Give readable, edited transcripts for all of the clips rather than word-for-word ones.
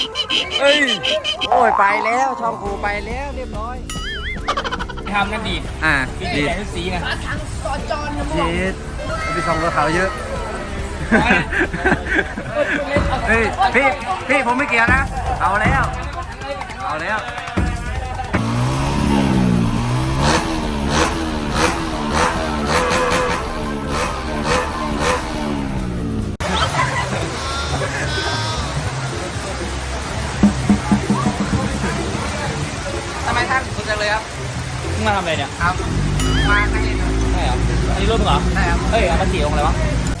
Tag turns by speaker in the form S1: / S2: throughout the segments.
S1: เอ้ยโอ้ยไปแล้วช่องกูไปแล้วเรียบร้อย
S2: ทำกันดี
S1: ดี
S2: ดีแต่สีไง
S1: เจ็ดไปส่องรถเขาเยอะเฮ้ยพี่ผมไม่เกี่ยวนะเอาแล้วทำไมท่านสุดจังเลยครับ
S2: มาทำอะไรเนี่ย
S1: ครับมาให้เล่นครับ
S2: ใช่เหรออันนี้รุ่นเหรอ
S1: ใช่ครับ
S2: เอ้ยเอามาขี่ลงอะไรวะ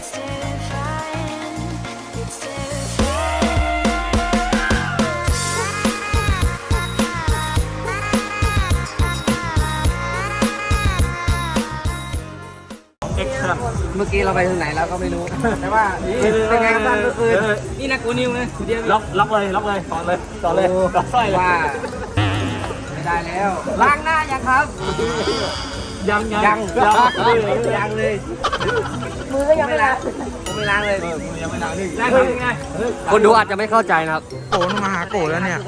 S1: เมื่อกี้เราไปถึงไหนแล้วก็ไม่รู้แต่ว่าเป็นไงกันบ้างเมื่อคืน
S2: นี่นะกูนิวเลยล็อกเลยต่อเลยต่อสร้อย
S1: ว่าไม่ได้แล้วล้างหน้ายังครับ
S2: ยัง
S1: เลยมือก็ยังไม่ล้างผมไม่ล้างเลย
S2: ยังไม่ล้างนี่ไง
S1: คนดูอาจจะไม่เข้าใจนะครับ
S3: โกนมาหาโกแล้วเนี่ย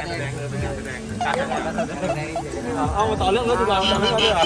S2: เอามาต่อเรื่องรถดีกว่าต่อเรื่องรถดีกว่า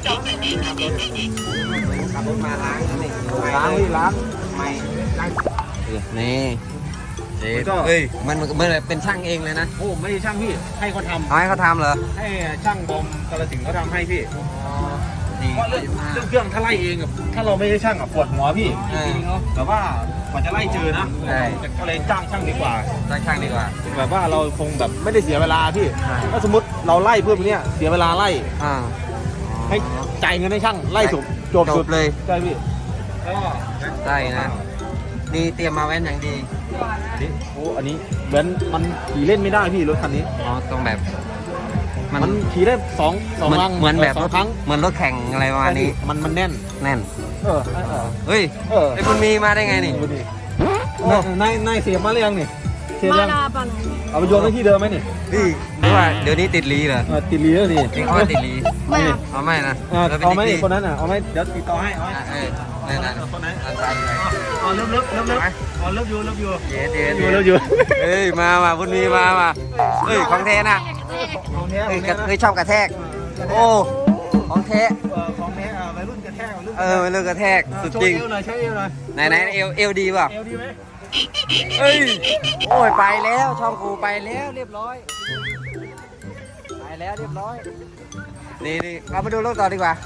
S1: ขับรถมาล้างนี่
S2: ล้าง
S1: ไม่นี่เฮ้ยมันเป็นช่างเองเลยนะ
S2: โอ้ไม่ใช่ช่างพี่ให้เขาทำ
S1: ให้เขาทำเหรอ
S2: ให้ช่างบอมกาฬสินธุ์เขาทำให้พี่เพราะเรื่องเครื่องถ้าไล่เองถ้าเราไม่ใช่ช่างปวดหัวพี่แต่ว่ากว่าจะไล่เจอนะก็เลยจ้างช่างดีกว่าแบบว่าเราคงแบบไม่ได้เสียเวลาพี่ถ้าสมมติเราไล่เพื่อเนี้ยเสียเวลาไล่ให้จ่ายเงินให้ช่างไล่จบ
S1: เลย
S2: ใช่พี่
S1: ใช่นะนี่เตรียมมาแว่นอย่างดี
S2: โอ้อันนี้แว้นมันขี่เล่นไม่ได้พี่รถคันนี้
S1: ต้องแบบ
S2: มันขี่ได้สอง
S1: เหมือนแบบรถเหมือนรถแข่งอะไรประมาณนี้
S2: มันแน่น
S1: เฮ้ยไอ้คุณมีมาได้ไงนี่
S2: นายเสียบมาหรือยังนี่เสียบยังเอาไปโยนไว้ที่เดิมไหมนี่
S1: หรือว่าเดี๋ยวนี้ติดลีเหรอ
S2: ติดลีแล้วนี่
S1: จริงเขาติดลีไม่นะ
S2: เอาไหมคนนั้นเอาไหมเดี๋ยวติดต่อให้
S1: นั่น
S2: คนไหนเลิฟอยู่
S1: เฮ้ยมาคุณมีมาเฮ้ยของแท้นะเคยชอบกระแทกโอ้ของแท้
S2: วัยรุ่นกระแทก
S1: วัยรุ่นกระแทกสุดจริง
S2: ใช้เอวหน่อย
S1: ไหนเอวดีป่ะ
S2: เอวดีไหม
S1: เฮ้ยโอ้ยไปแล้วช่องกูไปแล้วเรียบร้อยนี่เรามาดูรถต่อดีกว่า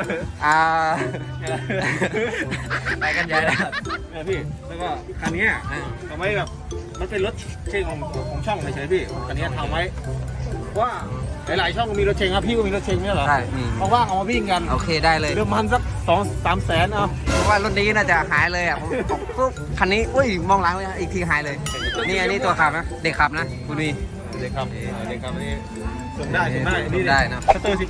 S1: ไปกันใหญ่แล้ว
S2: พี่แล้วก็คันนี้ทำไมแบบมันเป็นรถเชงของช่องเฉยๆพี่คันนี้ทำไว้ว่าหลายๆช่องมีรถเชงครับพี่ก็มีรถเชงเนี่ยเหรอ
S1: ใช่
S2: เพราะว่าเอามาวิ่งกัน
S1: โอเคได้เลย
S2: เริ่มมันสัก2-3 แสน
S1: เพราะว่ารถนี้น่าจะหายเลยผมปุ๊บคันนี้อุ้ยมองหลังเลยอีกทีหายเลยนี่อันนี้ตัวขับนะเด็กขับนะคุณวี
S2: เด็กขับนี่ส่งได้นี่
S1: ได้นะ
S2: สเตอร์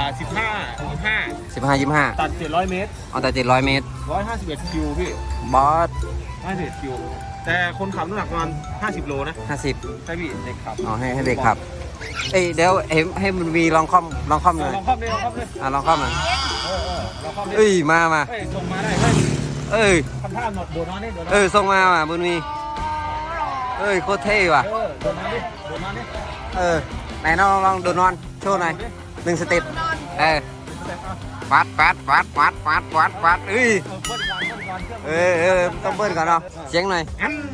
S2: 15 ตัด700 เมตร
S1: แต่700 เมตร
S2: 151 คิวพี่
S1: บอส
S2: 51 คิวแต่คนขับน้ำหนักประมาณ50 โลนะ
S1: 50
S2: ใช่พี่เด็กขับ
S1: ให้เด็กขับเดี๋ยวให้มันมีลองคอมเลย
S2: ลองคอมเลย
S1: ลองคอมหน่อย
S2: ลองคอมเลย
S1: มา
S2: ส่งมาได้ทำท่าหนดโดนนอนนี่
S1: ส่งมาบุญมีโคตรเท่ว่ะ
S2: โดนนอนนี่
S1: ไหนลองโดนนอนโชว์หน่อย1 สเต็ปปัดต้องเบิ้ลก่อนเนาะเสียงหน่อย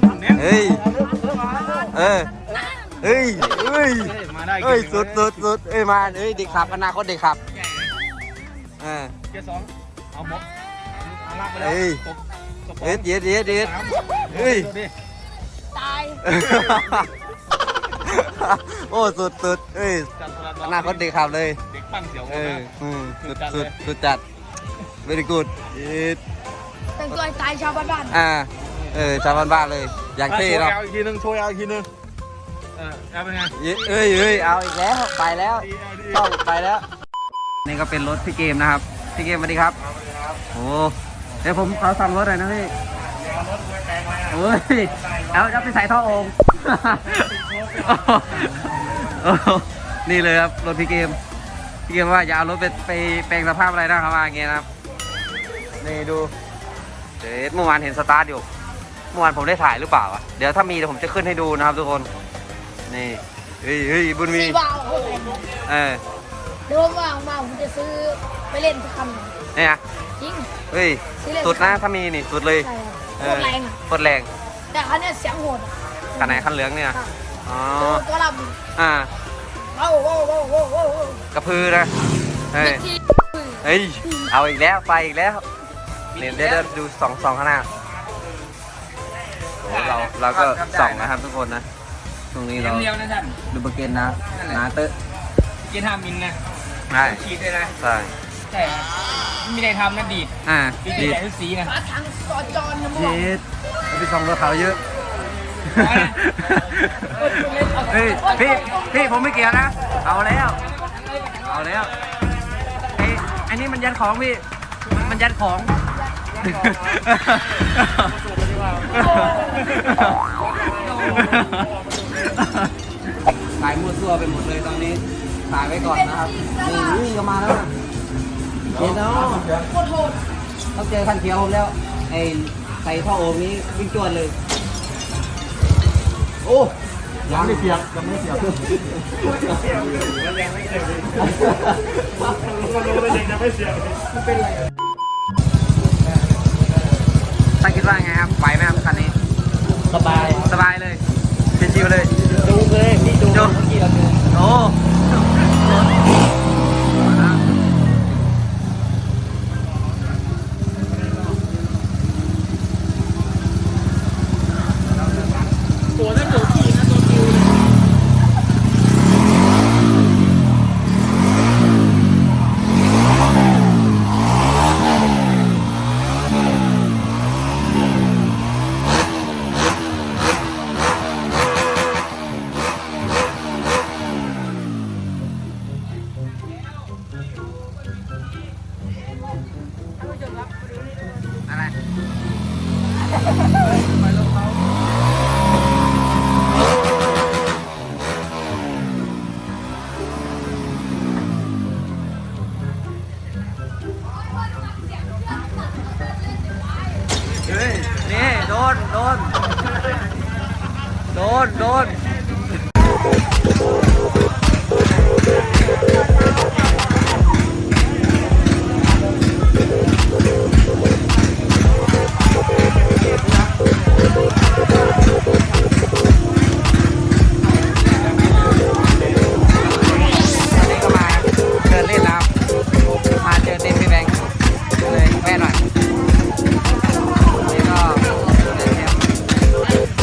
S1: สุดมาเด็กขับอนาคตเด็กขับ
S2: เกียร์ 2เอาหมดลากไปแล้ว
S1: เด็ด
S4: ตาย
S1: โอ้สุดอนาคตเด็กขับเลย
S2: เด็กปั้นเสียว
S1: สุดจัด very good
S4: แต่งตัวตายชาวบ้าน
S1: ชาวบ้านเลยอย่างเท่เนาะ
S2: อีกทีนึงเอาเป็นไง
S1: เอาอีกแล้วไปแล้วต้องไปแล้วนี่ก็เป็นรถพี่เกมนะครับพี่เกมสวัสดีครับโอ้เดี๋ยวผมขอสั่งรถหน่อยนะพี่เอาไปใส่ท่อโอ่งนี่เลยครับรถพี่เกมว่าอย่าเอารถไปแปลงสภาพอะไรนะครับว่าอย่างเงี้ยนะครับนี่ดูเมื่อวานเห็นสตาร์ทอยู่เมื่อวานผมได้ถ่ายหรือเปล่าเดี๋ยวถ้ามีเดี๋ยวผมจะขึ้นให้ดูนะครับทุกคนนี่เฮ้ยบุญมี
S4: 4 บาทโอ้โห เดี๋ยวว่างมาผมจะซื้อไปเล่นสักคัน
S1: เนี่ย
S4: จริง
S1: เฮ้ยสุดนะถ้ามีนี่สุดเลย
S4: ใช่ครับโคตรแรงอะ
S1: โคตรแรง
S4: แต่คันเนี้ยเสียงโหดอะ
S1: คันไหนคันเหลืองเนี่ย
S4: ครับ
S1: อ๋อ
S4: ตัวล
S1: อ่า
S4: ำว้าวว้าวว้าวว้าวว้าว
S1: กระพือนะเฮ้ย
S4: ที่
S1: เฮ้ยเอาอีกแล้วไปอีกแล้วเนี่ยเดี๋ยวดูสองข้างหน้าโอ้เราก็ส่องนะครับทุกคนนะตรงนี้เรา
S3: เดียวนะท่าน
S1: ดูเบอร์เกนนะนาเตอร์
S3: กิน5 มิลนะ
S1: ใช่
S3: ขีดเลยนะ
S1: ใช่
S3: ใช่ครับไม่มีอะไรทำนะดีด
S1: ดี
S3: ดีดแต่ทุกสีนะ
S4: หาทางสอจรนะมึง
S1: เย็ดไปส่องรถเขาเยอะเฮ้ยพี่ผมไม่เกี่ยวนะเอาแล้วไอ้นี่มันยันของพี่มันยันของถ่ายมั่วซั่วไปหมดเลยตอนนี้ถ่ายไว้ก่อนนะครับนี่ก็มาแล้วนะเห็นเนาะ
S4: โคตรโหด
S1: ต้องเจอคันเขียวผมแล้วไอ้ใส่ท่อโอมนี้วิ่งจวนเลยโอ้ยังไม่เสียบตั้งคิดว่าไงครับไหวไหมครับคันนี้สบายเลยชิวๆเลยดูเลยพี่ดูเมื่อกี้เราดูโอ้อะไรเฮ้ยนี่โดนก็มาเดินเล่นแล้วมาเจอเต็มพี่แบงค์เลยแวะหน่อยนี่ก็เล่นแคม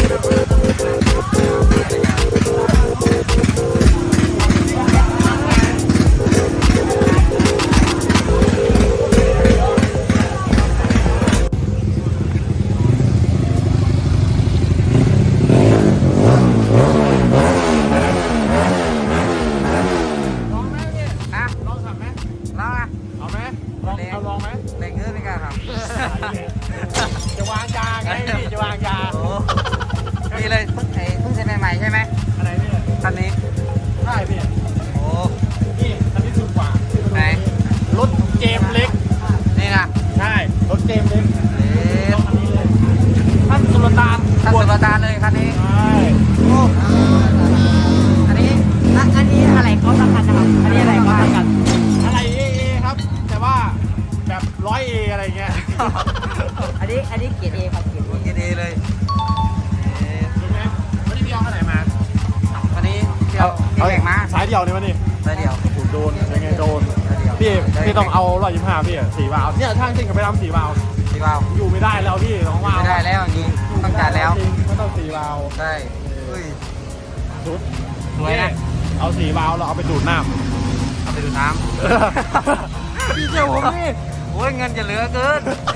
S1: อ่ะลองขับไหมลองอ่ะ
S2: เอาไหมลองไหม
S1: เล็งเยอะไม่กล้าครับ
S2: จะวางยาไงพี่จะวางยา
S1: โอ้นี่เลยเพิ่งเซ็นใหม่ๆใช่ไหม
S2: อะไรพี่
S1: คันนี้
S2: ใช่พี่
S1: โอ้
S2: นี่อันนี้สุดกว่า
S1: ไหน
S2: รถเกมเล็ก
S1: นี่นะ
S2: ใช่รถเกมเล็ก
S1: เอ๊ะ
S2: อันนี้เลยท่านสุลต่าน
S1: ถ้าสุดตาเลยคันนี้
S2: ใช่
S1: โอ้อันนี้อะไรเขาสำคัญนะครับ อันนี้อะไรเขาสำคัญ
S2: อะไรเอครับ แต่ว่าแบบ100A อะไรเงี้ย
S5: อันนี้เกียรติเอครับเกียรติ
S1: โอเคดีเลยเอ๊ะ
S2: เห็นไหมวันนี้พี่เอาขนาดไหนมา
S1: วันนี้เดี๋ยวพี่แข่งมา
S2: สายเดียวนี่วะนี่
S1: แล้วเดี๋ยว
S2: ถูกโดนยังไงโดน
S1: แล้วเดี๋ยว
S2: พี่ต้องเอา125พี่4 วาล์วเนี่ยช่างจริงกับไปทำ4 วาล์ว
S1: พี่ว่าว
S2: อยู่ไม่ได้แล้วพี่2 วาล์ว
S1: ไม่ได้แล้วอย่างนี้ต้องจ่ายแล้ว
S2: ก็ต้อง4 วาล์ว
S1: ใช่อุ้ย
S2: ชุด
S1: สวยนะ
S2: เอา4 วาล์วเราเอาไปดูดน้ำ
S1: เอาไปดูน้ำ
S2: พี่เจ้าผมนี่
S1: โอ้ยเงินจะเหลือเกิน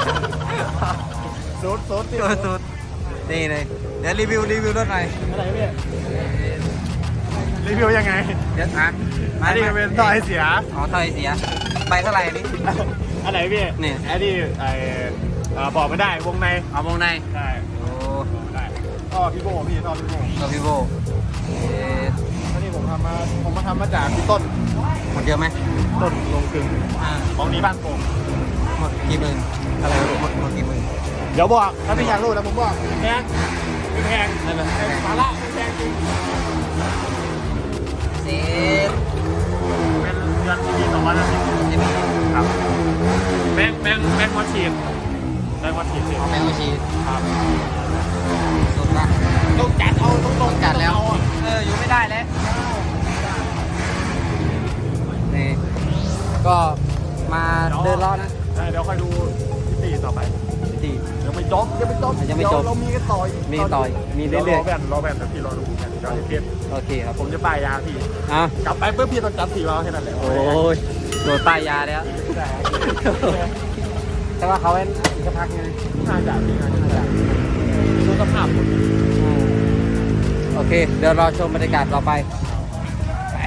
S2: สุด
S1: สุดนี่เลยเดี๋ยวรีวิวรถหน่อย
S2: อะไรพี่รีวิวยังไง
S1: เดี๋ยวนะ
S2: อันนี้เป็นท่อไอเสีย
S1: อ๋อถอยเสียไปเท่าไหร่นี่
S2: อันไหนพี่
S1: นี่
S2: อันนี้บอกไม่ได้วงใน
S1: เอาวงใน
S2: ใช่
S1: โอ้
S2: ได้ท่อพี่โบพี่ท่อพี่โบ
S1: ตัวพี่โบเอ๊ะ
S2: อันนี้ผมมาทำมาจากพี่ต้น
S1: หมดเยอะไหม
S2: ต้นลงกึ่งของนี้บ้านโป่ง
S1: หมดกี่หมื่น
S2: อะไรนะ
S1: หมดกี่หมื่น
S2: เดี๋ยวบอกถ้าพี่อยากรู้นะผมบอกแพงไม่แพง
S1: ไม่เป็นไร
S2: สาระไม่แพงจริง
S1: ก็มาเดินล้อนะ
S2: เดี๋ยวค่อยดูที่ต่อไป
S1: ที่
S2: ยังไม่จบยังไม่จบ
S1: ยังไม่จบ
S2: เดี๋วเรามีกันต่ออีก
S1: มีต่อยมีเรื่อย
S2: รอแว่นแต่พี่รอดูกันเดี๋ยวเทียบ
S1: ๆโอเคครับ
S2: ผมจะป้ายยาพี่
S1: อ่ะ
S2: กลับไปเพื่อพี่ต้องจับสีเราแค่นั้นแหละ
S1: โอ้ยโดนป้ายยาแล้ว แต่ว่าเขาเป็นอีกสักพักไง
S2: น่าจะดูสภาพหมด
S1: โอเค เดี๋ยวรอชมบรรยากาศต่อไปไป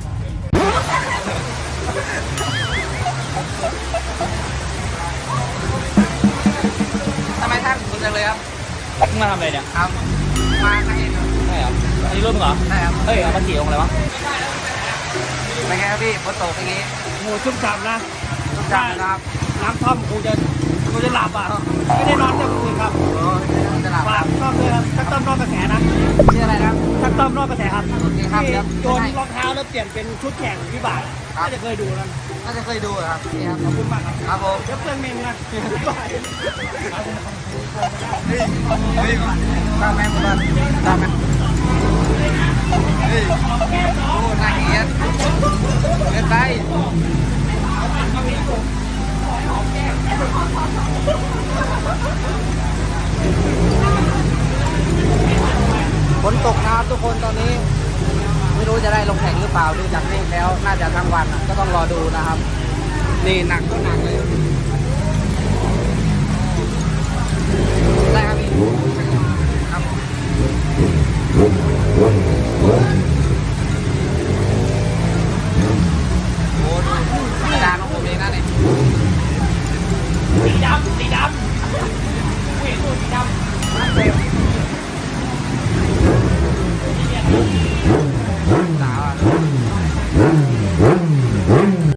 S1: ทำไมท่านคุณจังเลยครับ
S3: มาทำอะไรเนี่ย
S1: ครับมาใครเอง
S3: ใช่เหรออันนี้รุ่นเหรอ
S1: ใช่ครับ
S3: เฮ้ยเอามากี่องค์เลยวะ
S1: เป็นไงครับพี่ฝนตกอย่างงี้
S3: โหชุ่มฉ่ำนะ
S1: ทุกอย่างนะครับ
S3: น้ำท่อมคงจะหลับอ่ะไม่ได้นอนเต็มคืนครับ
S1: โอ้ยจะหลับ
S3: ฝากต้อมด้วยครับชักต้อมนอกกระแสนะ
S1: ชื่ออะไรครับ
S3: ชักต้อมนอกกระแสครับ
S1: โอเคครับ
S3: ที่
S1: เดี๋ยว
S3: โยนรองเท้าแล้วเปลี่ยนเป็นชุดแข่งวิบาก
S1: ครับ
S3: น่าจะเคยดูนะ
S1: น่าจะเคยดูเหรอครับนี่ครับ
S3: ขอบคุณมากครับ
S1: ครับผม
S3: เดี๋ยวเพื่อนเมงนะ
S1: เฮ้ยตามแม่ผมบ้างตามแม่เฮ้ยโอ้น่าเกลียดเกินไปฝนตกนะครับทุกคนตอนนี้ ไม่รู้จะได้ลงแข่งหรือเปล่าดูจากเลขแล้วน่าจะทั้งวันอะก็ต้องรอดูนะครับ นี่หนักก็หนักเลยได้ครับพี่ครับ